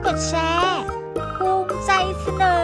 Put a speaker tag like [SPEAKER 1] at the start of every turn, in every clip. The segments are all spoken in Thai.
[SPEAKER 1] ดแชร์ภูมิใจเสนอ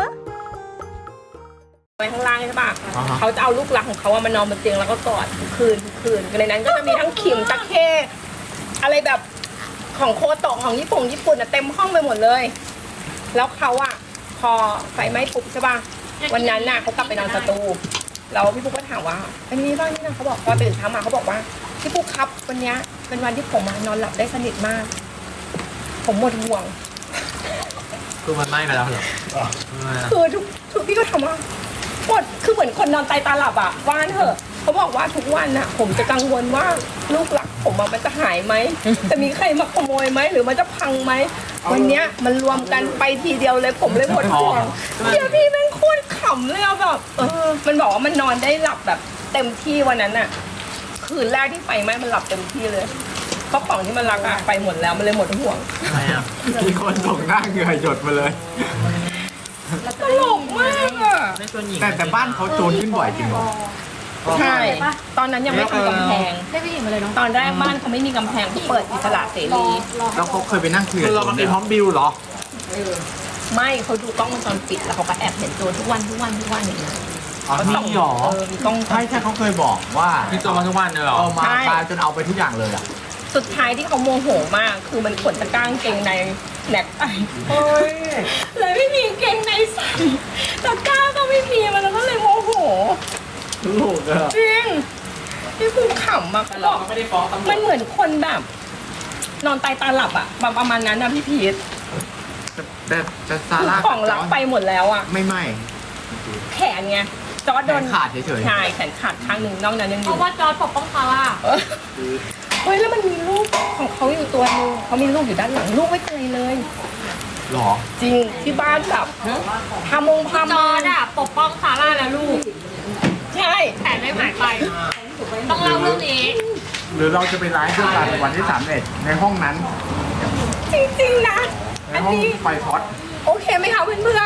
[SPEAKER 2] ไปข้างล่างใช่ปะเขาจะเอาลูกรักของเขามานอนบนเตียงแล้วก็กอดทุกคืนในนั้นก็จะมีทั้งขิมตะเข้อะไรแบบของโคโตะของญี่ปุ่นเต็มห้องไปหมดเลย แล้วเขาอะพอไฟไหม้ปุ๊บใช่ปะวันนั้นน่ะเขากลับไปนอนสตูแล้วพี่ปุ๊กก็ถามว่าเป็นยังไงบ้างนี่นะเขาบอกพอตื่นเช้ามาเขาบอกว่าพี่ปุ๊กครับวันนี้เป็นวันที่ผมนอนหลับได้สนิทมาก ผมหมดห่วง
[SPEAKER 3] คือมันไหม้ไปแล้วเหรอ
[SPEAKER 2] คือทุกพี่ก็ทำว่าหมดคือเหมือนคนนอนตาหลับอ่ะว่านเถอะเขาบอกว่าทุกวันน่ะผมจะกังวลว่าลูกหลักผมมันจะหายไหมจะมีใครมาขโมยไหมหรือมันจะพังไหมวันเนี้ยมันรวมกันไปทีเดียวเลยผมเลยหมดห่วงเดี๋ยวพี่แม่งโคตรขำเลยอะแบบมันบอกว่ามันนอนได้หลับแบบเต็มที่วันนั้นน่ะคืนแรกที่ไฟไหม้มันหลับเต็มที่เลยเพราะของที่มันรักอะไปหมดแล้วมันเลยหมดห่วง
[SPEAKER 3] ทำไมอ่ะ
[SPEAKER 4] มีคนส่งหน้าเหงื่อหยดมาเลย
[SPEAKER 2] ตลกมากอะ
[SPEAKER 3] ไม่ชวนหญิง
[SPEAKER 4] แต่บ้านเขาโจรขึ้นบ่อยจริงเหรอ
[SPEAKER 2] ใช่ตอนนั้นยังไม่ทำกำแพง
[SPEAKER 1] ได้ไปหญิงมาเลยเนาะ
[SPEAKER 2] ตอนแรกบ้านเขาไม่มีกำแพงเขาเปิดอิสระเสรี
[SPEAKER 4] แล้วเขาเคยไปนั่งคุย
[SPEAKER 3] คือเรามาเป็นพร้อมบิวเหรอ
[SPEAKER 2] ไม่เขาดูกล้องวงจรปิดแล้วเขาก็แอบเห็นโจรทุกวันอย่างเงี้ย
[SPEAKER 4] อ๋อ
[SPEAKER 2] เขา
[SPEAKER 4] นี่
[SPEAKER 2] ส่อง
[SPEAKER 4] หรอ
[SPEAKER 2] มีกล้อง
[SPEAKER 4] ใช่ใช่เขาเคยบอกว่า
[SPEAKER 3] พี่โจมาทุกวันเลยเหรอ
[SPEAKER 4] เอามาปลาจนเอาไปทุกอย่างเลยอ่ะ
[SPEAKER 2] สุดท้ายที่เขาโมโหมาก คือมันขนตะกร้างเกงในแหนกไปเลยไม่มีเกงในใส่ตะกร้าก็ไม่มีมันก็เลยโมโห
[SPEAKER 4] ลูกอะ
[SPEAKER 2] จริงพี่ภูมิขำอะเขาบอก
[SPEAKER 3] ไม่ได้ฟ้องตำรว
[SPEAKER 2] มั
[SPEAKER 3] จ
[SPEAKER 2] นเหมือนคนแบบ นอนตายตาหลับอะประมาณนั้นนะพี่พีท
[SPEAKER 4] แต่ซา
[SPEAKER 2] คือ
[SPEAKER 4] ร่า
[SPEAKER 2] ของรักไปหมดแล้วอะ
[SPEAKER 4] ไม่
[SPEAKER 2] แขนไงจอร์จโดน
[SPEAKER 4] แขนขาดเฉยๆ
[SPEAKER 2] ใช่แขนขาดข้างหนึ่งนอกนั้นยังอ
[SPEAKER 1] เพ
[SPEAKER 2] ยู่
[SPEAKER 1] ราะว่าจอร์จปกป้องเขาอะ
[SPEAKER 2] เฮ้ยแล้วมันมีลูกของเขาอยู่ตัวนึงเขามีลูกอยู่ด้านหลังลูกไม่เป็นไรเลย
[SPEAKER 4] หรอ
[SPEAKER 2] จริงที่บ้านแบบพามงพา
[SPEAKER 1] จ
[SPEAKER 2] มา
[SPEAKER 1] อร์จอะปกป้องซาร่าและลูก
[SPEAKER 2] ใช่
[SPEAKER 1] แผนไม่หายไป ต้องเล่าเรื่องนี้
[SPEAKER 4] หรือเราจะไปไลฟ์ด้วยกันวันที่31ในห้องนั้น
[SPEAKER 2] จริงๆนะ
[SPEAKER 4] ใน
[SPEAKER 2] อัน
[SPEAKER 4] ห้อง
[SPEAKER 2] นี้
[SPEAKER 4] ไฟพอด
[SPEAKER 2] โอเคไหมคะเพื่อน
[SPEAKER 1] พี่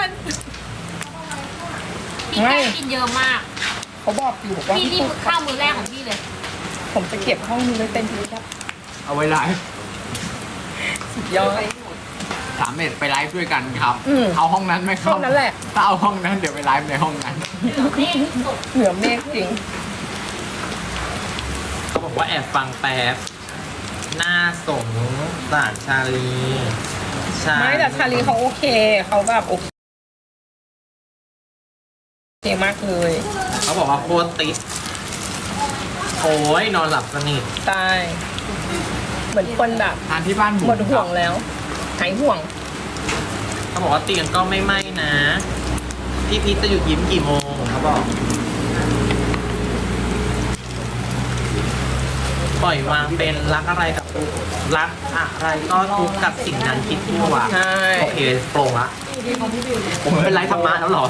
[SPEAKER 1] แก้กินเยอะมาก
[SPEAKER 2] ๆเขาบอกอยู่บอกว่า
[SPEAKER 1] พี่นี่ข้าวมื้อแรกของพี่เลย
[SPEAKER 2] ผมจะเก็บห้องนี้ไว้เป็นที่รับ
[SPEAKER 4] เอาไว้ไลฟ์
[SPEAKER 2] สุดยอด
[SPEAKER 4] 31ไปไลฟ์ด้วยกันครับ
[SPEAKER 2] อืม
[SPEAKER 4] เอาห้องนั้นไหมครับ
[SPEAKER 2] ห้องนั้นแหละ
[SPEAKER 4] ถ้าเอาห้องนั้นเดี๋ยวไปไลฟ์ในห้องนั้น
[SPEAKER 1] นี่สุด
[SPEAKER 2] เหนือเมฆจริง
[SPEAKER 3] เขาบอกว่าแอบฟังแป๊บ หน้าสงสารชาลี
[SPEAKER 2] ไม่แต่ชาลีเขาโอเคเขาแบบโอเคมากเลย
[SPEAKER 3] เขาบอกว่าโคตรติดโอ้ยนอนหลับสนิท
[SPEAKER 2] ตายเหมือนคนแบบ
[SPEAKER 4] ทานที่บ้านบุ๋ม
[SPEAKER 2] หมดห่วงแล้วหายห่วง
[SPEAKER 3] เขาบอกว่าเตียงก็ไม่ไหม้นะ พี่พีทจะหยุดยิ้มกี่โมงเขาบอก ปล่อยวางเป็นรักอะไรกับทุกรักอะไรก็ทุกข์กับสิ่งนั้นคิดทั่ว
[SPEAKER 2] ใช่
[SPEAKER 3] โอเคโปร่งละผมเป็นไรธรรมะแล้วเหรอ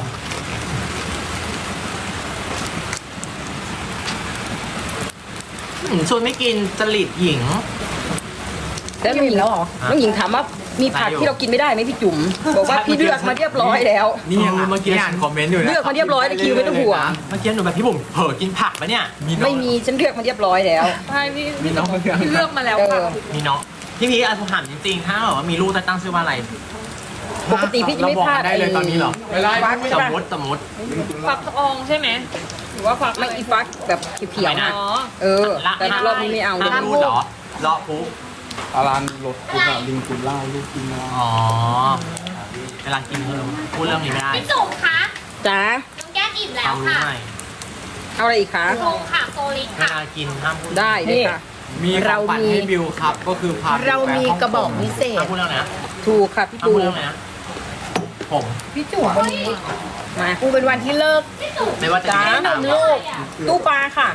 [SPEAKER 3] ชวนไม่กินจริตหญิง
[SPEAKER 5] แล้วน้องหญิงแล้วเหรอ น้องหญิงถามว่ามีผักที่เรากินไม่ได้ไหมพี่จุ๋ม บอกว่าพี่เลือกมาเรียบร้อยแล้ว
[SPEAKER 4] นี่ยัง
[SPEAKER 3] เมื่อกี้
[SPEAKER 4] อ่านคอมเมนต์อยู่นะ
[SPEAKER 5] เลือกมาเรียบร้อยแล้วคิวไม่ต้องห่วง
[SPEAKER 3] เมื่อกี้หนูแบบพี่บุ๋มเผลอกินผักปะเนี่ย
[SPEAKER 5] ไม่มีฉันเลือกมาเรียบร้อยแล้ว
[SPEAKER 1] ใช่พี่
[SPEAKER 4] มีน้องคนเดียว
[SPEAKER 1] พี่เลือกมาแล้ว
[SPEAKER 5] เอ
[SPEAKER 1] ค่ะ
[SPEAKER 5] อ
[SPEAKER 3] มีเนาะพี่พีทถามจริงๆ ถ้าแบบว่ามีลูกจะตั้งชื่อว่าอะไร
[SPEAKER 5] ปกติพี่จะไม่พลาด
[SPEAKER 4] ได้เลยตอนนี้เหรอ
[SPEAKER 5] ฟัก
[SPEAKER 3] สมมติ
[SPEAKER 1] ฟักทองใช่ไหมหรือว่าฟัก
[SPEAKER 5] ไม่อีฟักแบบเขียวๆ
[SPEAKER 3] ไม่
[SPEAKER 5] นะ
[SPEAKER 3] นะ
[SPEAKER 1] อ๋อ
[SPEAKER 5] เออ แต่รอบนี้ไม่เอา
[SPEAKER 3] ห้ามพูดเหรอเลาะปุ๊บ
[SPEAKER 4] อารันรถคุณอะลิงคุณเล่าลูกกินแล้ว
[SPEAKER 3] อ๋อ เวลากินพูดเรื่องนี้ไม่ได้
[SPEAKER 1] พี่จุ๋มคะ
[SPEAKER 5] จ้า
[SPEAKER 1] น้องแก้มอิ่มแล้ว
[SPEAKER 3] เอารู้
[SPEAKER 1] ค่ะ
[SPEAKER 3] ไหม
[SPEAKER 5] เอาอะไรอีกคะ
[SPEAKER 1] โซค่ะโซลิด
[SPEAKER 3] เว
[SPEAKER 1] ค่ะ
[SPEAKER 3] ลากินห้ามพูด
[SPEAKER 5] ได้เลยค่ะ
[SPEAKER 4] มีของขวัญให้บิวครับ ก็คือพาบิวไปฮ่องกง
[SPEAKER 3] ห้ามพูดเรื่องไหนนะ
[SPEAKER 5] ถูกค่ะพี่
[SPEAKER 3] ห้าม
[SPEAKER 5] ปู
[SPEAKER 3] พูดเรื่องไหนนะผม
[SPEAKER 2] พี่จุ๋มวันนี้
[SPEAKER 5] มา
[SPEAKER 2] กูเป็นวันที่เลิก
[SPEAKER 3] ไม่ว่าจะ
[SPEAKER 2] จ้า
[SPEAKER 3] กิน
[SPEAKER 2] น
[SPEAKER 3] ตาม
[SPEAKER 2] มลูกตู้ปลาค่ะ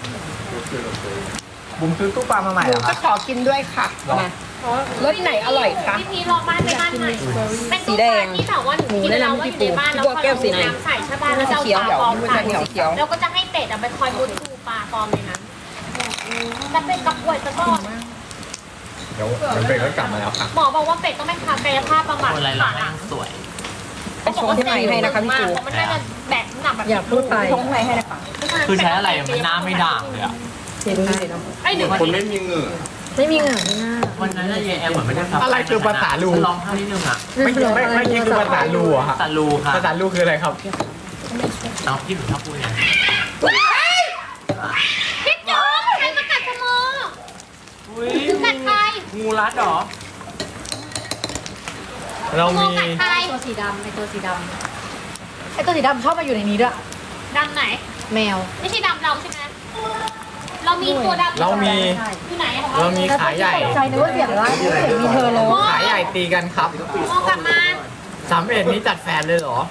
[SPEAKER 4] บุ๋มซื้อตู้ปลามาใหม่
[SPEAKER 2] ห
[SPEAKER 4] เห
[SPEAKER 2] นู
[SPEAKER 4] รอค
[SPEAKER 2] จะ
[SPEAKER 4] รับ
[SPEAKER 2] ขอกินด้วยค่ะ
[SPEAKER 5] มา
[SPEAKER 2] รสไหนอร่อยคะ
[SPEAKER 1] พี่พีรอบ้านไปบ้านใหม่เป็น
[SPEAKER 5] สี
[SPEAKER 1] ตู้
[SPEAKER 5] แด
[SPEAKER 1] ปลาง ที่แบบว่าหนูกินแล้วว่าอยู่ในบ้านแล้วพอเราน้ำใส่ใช่ป่ะแล้วจะเอาปลาปลอมใส่
[SPEAKER 5] สีเขียว
[SPEAKER 1] เราก็จะให้เป็ดไปคอยมุดดูปลาปลอมในนั้นแต่เป็ดกับป่วยซะก่อน
[SPEAKER 4] เดี๋ยวเป็ดก็กลับมาแล้วค่ะ
[SPEAKER 1] หมอบอกว่าเป็ดต้องไปทำกายภาพบำบัด
[SPEAKER 3] คนอะไรเราแม่งสวย
[SPEAKER 5] ไปชงที่ไหนให้นะคะพี่ปู
[SPEAKER 1] เพราะมันน่าจะแบกน้ำหนักแบบ
[SPEAKER 5] อย่าพูดไป
[SPEAKER 2] ชงอะไรให้นะคะ
[SPEAKER 3] คือใช้อะไรมันหน้าไม่ด่างเลยอะ
[SPEAKER 5] เห็นไหมเนาะ
[SPEAKER 1] ไอ้หนึ่ง
[SPEAKER 4] คนไม่มีเหงื่อ
[SPEAKER 1] ไม่มีเหงื่อที่หน้า
[SPEAKER 3] วันนั้นน่ะยายแอมเหมือนไม่ได้ฟัง
[SPEAKER 4] อะไรคือภาษาลู
[SPEAKER 3] ร้องไห้นิดนึงอ่ะ
[SPEAKER 4] ไม่คือภาษาลูอะครับ
[SPEAKER 3] ภาษาลูค่ะ
[SPEAKER 4] ภาษาลูคืออะไรครับ
[SPEAKER 3] เอาพี่หนูชอบพูดไง
[SPEAKER 1] พี่จุ๊บใครมากัดสมอ
[SPEAKER 3] อุ้ย
[SPEAKER 1] กัดใคร
[SPEAKER 3] งูรัดเหรอ
[SPEAKER 4] เรา
[SPEAKER 1] สมอ
[SPEAKER 4] มี
[SPEAKER 1] กัดใคร
[SPEAKER 6] ตัวสีดำไอตัวสีดำไอตัวสีดำชอบมาอยู่ในนี้ด้วย
[SPEAKER 1] ดำไหน
[SPEAKER 6] แมว
[SPEAKER 1] ไม่ใช่ดำเราใช่ไหมเรามีตัวดำ
[SPEAKER 4] เรามี
[SPEAKER 1] อยู่ไหนของ
[SPEAKER 4] เรา
[SPEAKER 1] เรา
[SPEAKER 4] มีขาใหญ่
[SPEAKER 6] ตกใจนึกว่าเสียงอะไรนึกว่าเสียงมีเธอเลย
[SPEAKER 4] ขาใหญ่ตีกันครับ
[SPEAKER 1] มองกลับมา
[SPEAKER 4] 31นี้จัดแฟนเลยเหรอ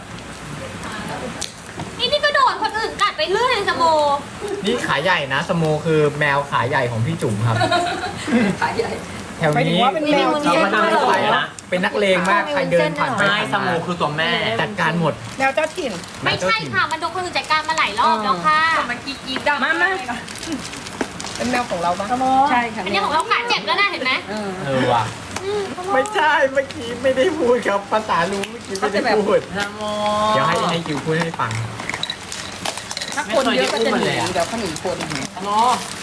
[SPEAKER 1] นี่ก็โดนคนอื่นกัดไปเรื่อยเลยสมอ
[SPEAKER 4] นี่ขาใหญ่นะสโมคือแมวขาใหญ่ของพี่จุ๋มครับ
[SPEAKER 5] ขาใหญ่
[SPEAKER 4] แถว
[SPEAKER 2] หมายถึง
[SPEAKER 4] นี้
[SPEAKER 2] ว่าเป็นแมว
[SPEAKER 4] เราก็เดินไปนะเป็นนักเลงมากใครเดินผ่านไป
[SPEAKER 3] ใช่
[SPEAKER 4] ผ่าน
[SPEAKER 3] ส
[SPEAKER 4] มา
[SPEAKER 3] มูคือตัวแม่
[SPEAKER 4] จัดการหมด
[SPEAKER 2] แมวเจ้าถิ่น
[SPEAKER 1] ไม่ใช่ค่ะมันโดนคนอื่นจัดการมาหลายรอบแล้วค่ะ
[SPEAKER 5] มันกีดมา
[SPEAKER 2] เป็นแมวของเราปะ
[SPEAKER 5] ใช่ค่ะ
[SPEAKER 1] อันนี้ของเราขาเจ็บแล้วนะเห็นไหม
[SPEAKER 4] ว่ะไม่ใช่เมื่อกี้ไม่ได้พูดครับภาษาลูเมื่อกี้ไม่ได้พูด
[SPEAKER 3] สมู
[SPEAKER 4] เดี๋ยวให้คิวพูดให้ฟัง
[SPEAKER 5] ถ้าคนเยอะก็จะหนีเดี๋ยวเขาหนีคน
[SPEAKER 3] สมู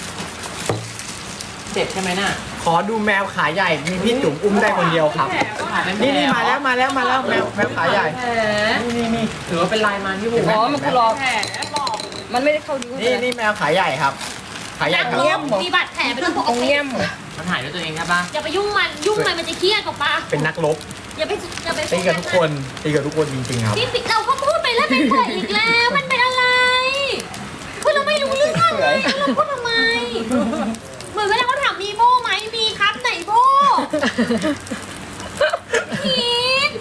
[SPEAKER 3] เจ็บใช่ไหมน่ะ
[SPEAKER 4] ขอดูแมวขาใหญ่มีพี่จุ๋มอุ้มได้คนเดียวครับ นี่มาแล้วแมวขาใหญ่ นี่
[SPEAKER 3] หรือว่าเป็นลายมันที่หู
[SPEAKER 5] อ๋อมันคือรอมันไม่ได้เข้านิ้ว
[SPEAKER 4] นี่แมวขาใหญ่ครับ ขาใหญ่ครับ
[SPEAKER 1] มีบาดแผลเป็นเรื่องปก
[SPEAKER 2] ตรง
[SPEAKER 1] ติ
[SPEAKER 2] เงี้ยมเหรอ
[SPEAKER 3] มันถ่ายด้วยตัวเองใช่ปะ
[SPEAKER 1] อย่าไปยุ่งมันจะเครียดกับปะ
[SPEAKER 4] เป็นนักรบ
[SPEAKER 1] อย่าไป
[SPEAKER 4] ตีกับทุกคนจริงๆครับ
[SPEAKER 1] นี่ปิดเราก็พูดไปแล้วเป็นเปิดอีกแล้วมันเป็นอะไรคือเราไม่รู้เรื่องเลยเราพูดทำไมเหมือนเวลาเขาถามมีโบไหมมีครับไหนโบพีท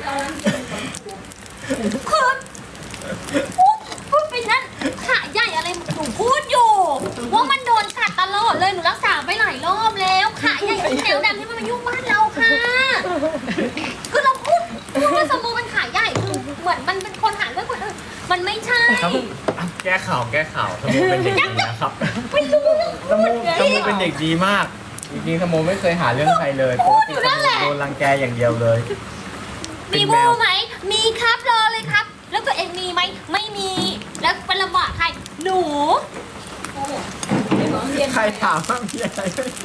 [SPEAKER 1] คือพูดไปนั่นขาใหญ่อะไรหนูพูดอยู่ว่ามันโดนกัดตลอดเลยหนูรักษาไปหลายรอบแล้วขาใหญ่แถวดำที่มันมายุ่งบ้านเราค่ะคือเราพูดว่าสมมุติมันขาใหญ่คือเหมือนมันเป็นคนหาเรื่องคนอื่นมันไม่ใช่
[SPEAKER 4] ครับแก้ข่าวสโมเป็นเด็กดีนะครับ
[SPEAKER 1] ไม่รู้เรื่อง
[SPEAKER 4] สโมเป็นเด็กดีมาก จริงๆสโมไม่เคยหาเรื่องใครเลยปกติสโมโดนรังแกอย่างเดียวเลย
[SPEAKER 1] มีบูไหมมีครับรอเลยครับ แล้วตัวเองมีไหมไม่มี แล้วเป็นลำบากใครหนู
[SPEAKER 4] ใครถามว่ามีอะไร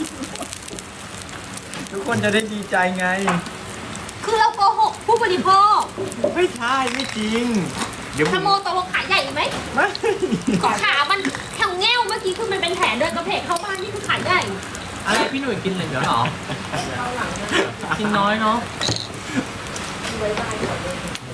[SPEAKER 4] ทุกคนจะได้ดีใจไง
[SPEAKER 1] คือเราโกหกผู้บริโภค
[SPEAKER 4] ไม่ใช่ไม่จริง เดี๋ยว
[SPEAKER 1] ขโมยตกลงขาใหญ่ไหม
[SPEAKER 4] ไม่
[SPEAKER 1] ขามันแถวแง่วเมื่อกี้คือมันเป็นแผลเดินกระเพกเข้าบ้านนี่คือขาใหญ่
[SPEAKER 3] อะไรพี่หนุ่ยกินเลยเดี๋ยวเหรอ กินน้อยเนาะ